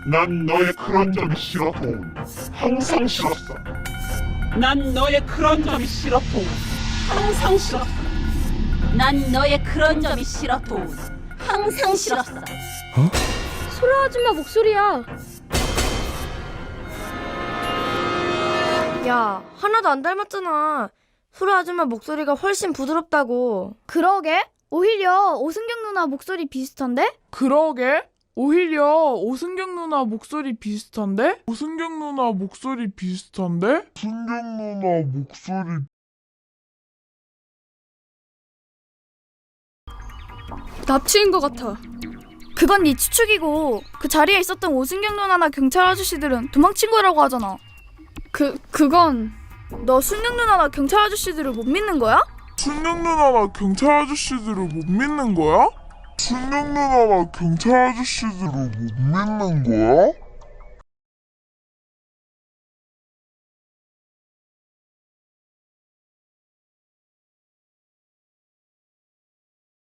난 너의 그런 점이 싫어, 도훈. 항상 싫었어. 난 너의 그런 점이 싫어, 도훈. 항상 싫었어. 난 너의 그런 점이 싫어, 도훈. 항상 싫었어. 소라 아줌마 목소리야. 야, 하나도 안 닮았잖아. 소라 아줌마 목소리가 훨씬 부드럽다고. 그러게? 오히려 오승경 누나 목소리 비슷한데? 그러게? 오히려 오승경 누나 목소리 비슷한데? 오승경 누나 목소리 비슷한데? 오승경 누나 목소리 납치인 것 같아. 그건 네 추측이고 그 자리에 있었던 오승경 누나나 경찰 아저씨들은 도망친 거라고 하잖아. 그건 너 승경 누나나 경찰 아저씨들을 못 믿는 거야? 승경 누나나 경찰 아저씨들을 못 믿는 거야? 승경 누나나 경찰 아저씨들을 못 믿는 거야?